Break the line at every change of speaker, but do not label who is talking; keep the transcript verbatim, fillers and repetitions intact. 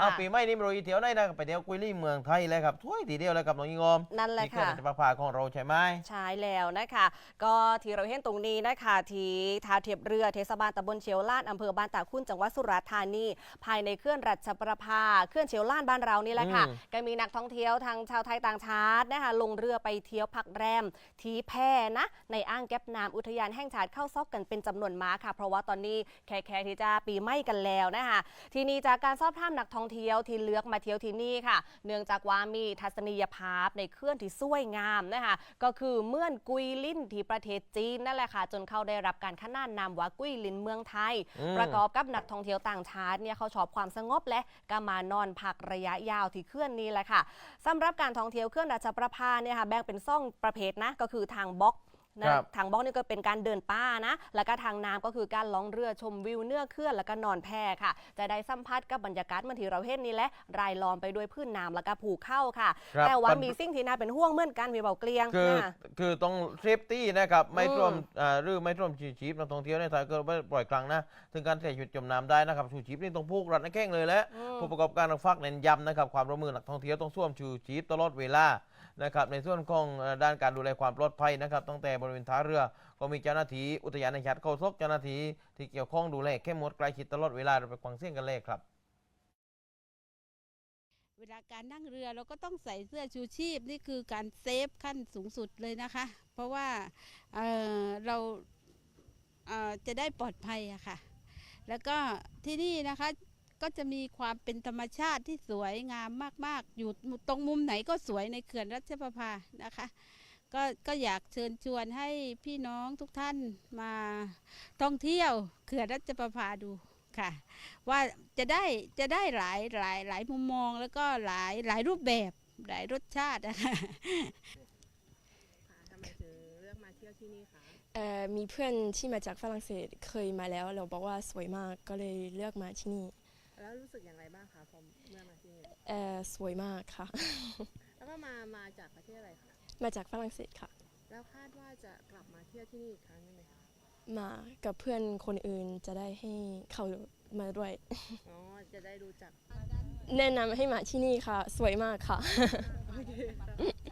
อ้าวปีใหม่นี้เราเที่ยวไหนนะไปเที่ยวกุยลี่เมืองไทยเลยครับถ้วยทีเดียวเลยกับน้องยิงอม
นั่นแหละ
ที่เขื่อน
ค่ะ
ราชประภาของเราใช่ไหม
ใช่แล้วนะคะก็ที่เราเห็นตรงนี้นะคะที่ท่าเทียบเรือเทศบาลตำบลเชียวลาดอำเภอบ้านตาคุ้นจังหวัดสุราษฎร์ธานีภายในเขื่อนรัชประภาเขื่อนเชียวลาดบ้านเรานี่แหละค่ะ
อืม
ก็มีนักท่องเที่ยวทั้งชาวไทยต่างชาตินะคะลงเรือไปเที่ยวพักแรมที่แพนะในอ่างแก็บน้ำอุทยานแห่งชาติเข้าซอกกันเป็นจำนวนมากค่ะเพราะว่าตอนนี้แค่แค่ที่จะปีใหม่กันแล้วนะคะทีนี้จากการสอบถามนักท่องเที่ยวที่เลือกมาเที่ยวที่นี่ค่ะ เนื่องจากว่ามีทัศนียภาพในเขื่อนที่สวยงามนะคะก็คือเมืองกุยลินที่ประเทศจีนนั่นแหละค่ะจนเขาได้รับการขนานนามว่ากุยลินเมืองไทย
อืม
ประกอบกับนักท่องเที่ยวต่างชาติเนี่ยเขาชอบความสงบและก็มานอนพักระยะยาวที่เขื่อนนี้แหละค่ะสำหรับการท่องเที่ยวเขื่อนราชประภาเนี่ยค่ะแบ่งเป็นซ่องประเภทนะก็คือทางบล็อกนะทางบล็อกนี่ก็เป็นการเดินป่านะแล้วก็ทางน้ำก็คือการล่องเรือชมวิวเนื้อเขื่อนแล้วก็นอนแพค่ะ จะได้สัมผัสกับบรรยากาศเหมือนที่เราเห็นนี่แหละรายล้อมไปด้วยพื้นน้ำแล้วก็ภูเขาค่ะ
ครับ
แต่ว่า
ปัญ
มีสิ่งที่น่าเป็นห่วงเหมือนกันพี่เบาเกลียง
คือ
นะ
คือต้องเซฟตี้นะครับไม่
อืม
ท่วมอ่าหรือไม่ท่วมชูชีพนักท่องเที่ยวในไทยก็ไม่ปล่อยกลางนะถึงการเสียชีวิตจมน้ำได้นะครับชูชีพนี่ต้องผูกรัดในแข้งเลยและ
อืม
ผู้ประกอบการต้องฟักเน้นย้ำนะครับความร่วมมือนักท่องเที่ยวต้องสวมชูชีพตลอดเวลานะครับในส่วนของเอ่อด้านการดูแลความปลอดภัยนะครับตั้งแต่บริเวณท่าเรือก็มีเจ้าหน้าที่อุทยานแห่งชาติเขาซกเจ้าหน้าที่ที่เกี่ยวข้องดูแลเข้มงวดใกล้ชิดตลอดเวลาเราไปฟังเสียงกันเลยครับ
เวลาการนั่งเรือเราก็ต้องใส่เสื้อชูชีพนี่คือการเซฟขั้นสูงสุดเลยนะคะ เพราะว่าเอ่อเราเอ่อจะได้ปลอดภัยอะค่ะ แล้วก็ที่นี่นะคะก็จะมีความเป็นธรรมชาติที่สวยงามมากๆ อยู่ตรงมุมไหนก็สวยในเขื่อนรัชประภานะคะก็ก็อยากเชิญชวนให้พี่น้องทุกท่านมาท่องเที่ยวเขื่อนรัชประภาดูค่ะ ว่าจะได้จะได้หลายหลายหลายมุมมองแล้วก็หลายหลายรูปแบบหลายรสชาตินะคะ
ค่ะทำไมถึงเลือกมาเที่ยวที่นี่คะ
เอ่อมีเพื่อนที่มาจากฝรั่งเศสเคยมาแล้วเราบอกว่าสวยมากก็เลยเลือกมาที่นี่
แล้วรู้สึกอย่างไรบ้างคะพอเมื่อมาที่นี่
เอ่อสวยมากค่ะ
แล้วก็มามาจากประเทศอะไรคะ
มาจากฝรั่งเศสค่ะ
แล้วคาดว่าจะกลับมาเที่ยวที่นี่อีกครั้งหนึงไหมคะ
มากับเพื่อนคนอื่นจะได้ให้เขามาด้วย
อ๋อ จะได้รู้จัก
แนะนำให้มาที่นี่ค่ะ สวยมากค่ะ
โอเคค่ะ